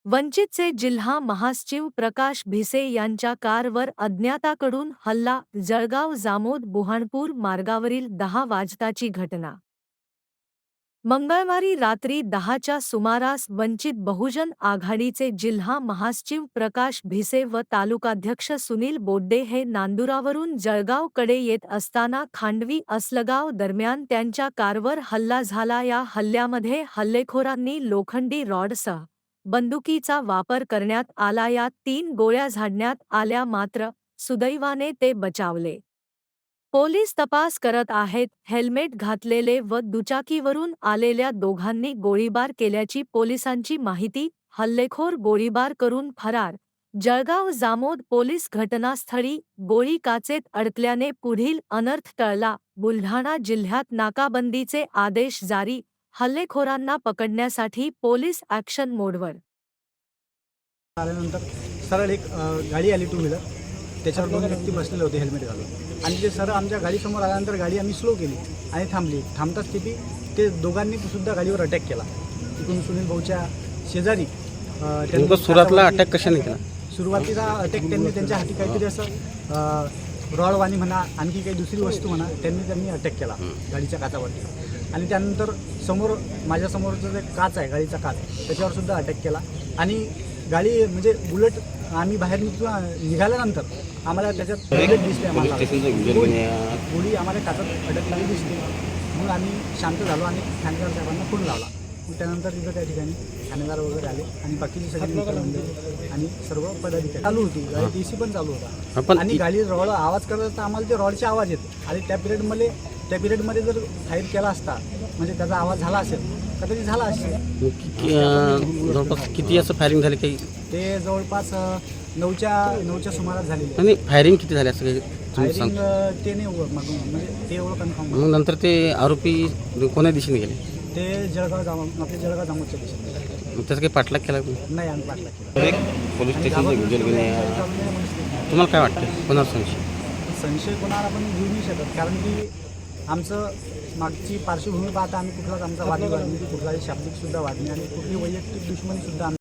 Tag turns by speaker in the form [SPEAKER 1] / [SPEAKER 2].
[SPEAKER 1] वंचितचे जिल्हा महासचिव प्रकाश भिसे यांच्या कारवर अज्ञाताकडून हल्ला. जळगाव जामोद बुऱ्हाणपूर मार्गावरील 10 वाजताची घटना. मंगळवारी रात्री 10च्या सुमारास वंचित बहुजन आघाडीचे जिल्हा महासचिव प्रकाश भिसे व तालुकाध्यक्ष सुनील बोड्डे हे नांदुरावरून जळगावकडे येत असताना खांडवी असलगाव दरम्यान त्यांच्या कारवर हल्ला झाला. या हल्ल्यामध्ये हल्लेखोरांनी लोखंडी रॉडसह बंदुकीचा वापर करण्यात आला. यात 3 गोळ्या झाडण्यात आल्या, मात्र सुदैवाने ते बचावले. पोलीस तपास करत आहेत. हेल्मेट घातलेले व दुचाकीवरून आलेल्या दोघांनी गोळीबार केल्याची पोलिसांची माहिती. हल्लेखोर गोळीबार करून फरार. जळगाव जामोद पोलीस घटनास्थळी. गोळी काचेत अडकल्याने पुढील अनर्थ टळला. बुलढाणा जिल्ह्यात नाकाबंदीचे आदेश जारी. हल्लेखोरांना पकडण्यासाठी पोलीस ॲक्शन मोडवर.
[SPEAKER 2] आल्यानंतर सरळ एक गाडी आली टू व्हीलर, त्याच्यावर 2 व्यक्ती बसलेले होते हेल्मेट घालून, आणि ते सरळ आमच्या गाडीसमोर आल्यानंतर गाडी आम्ही स्लो केली आणि थांबली. थांबताच स्थिती ते दोघांनी सुद्धा गाडीवर अटॅक केला. तिकडून सुनील भाऊच्या शेजारी
[SPEAKER 3] त्यांनी सुरुवातीला अटॅक कशाने केला?
[SPEAKER 2] सुरुवातीला अटॅक त्यांनी त्यांच्या हाती काहीतरी असं रॉडवाणी म्हणा, आणखी काही दुसरी वस्तू म्हणा, त्यांनी अटॅक केला गाडीच्या काचावरती. आणि त्यानंतर माझ्यासमोरचं जे काच आहे, गाडीचा काच, त्याच्यावर सुद्धा अटॅक केला. आणि गाडी म्हणजे बुलेट आम्ही बाहेर निघाल्यानंतर आम्हाला त्याच्यात बुलेट दिसले. आम्हाला गोळी आम्हाला काचात अडकलेली दिसली. मग आम्ही शांत झालो आणि ठाणेदार साहेबांना फोन लावला. मग त्यानंतर तिथं त्या ठिकाणी ठाणेदार वगैरे आले आणि बाकीची सगळी मित्र आणि सर्व पदाधिकारी चालू होती. गाडी DC पण चालू होता आणि गाडी रॉड आवाज करत असता आम्हाला ते रॉडचे आवाज येत. आणि त्या पिरियडमध्ये जर फायर केला असता, म्हणजे त्याचा आवाज झाला असेल, कदाचित झाला असेल.
[SPEAKER 3] जवळपास किती असं फायरिंग झाली? काही
[SPEAKER 2] ते जवळपास 9च्या सुमारास झालेली.
[SPEAKER 3] आणि फायरिंग किती झाली असं काही
[SPEAKER 2] फायरिंग ते नाही म्हणजे ते एवढं कन्फर्म.
[SPEAKER 3] मग नंतर ते आरोपी कोण्या दिशेने गेले?
[SPEAKER 2] ते जळगाव जामोदच्या दिशेने.
[SPEAKER 3] मग त्याचा काही पाठलाग केला?
[SPEAKER 2] नाही, आम्ही पाठलाग केला.
[SPEAKER 3] पोलीस स्टेशन तुम्हाला काय वाटतं, कोणाचा
[SPEAKER 2] संशय कोणाला आपण घेऊ नाही शकत, कारण की आमचं मागची पार्श्वभूमी पाहता आम्ही कुठलाच आमचा वादविवाद, कुठलाही शाब्दिक सुद्धा वाद नाही आणि कुठली वैयक्तिक दुश्मनी सुद्धा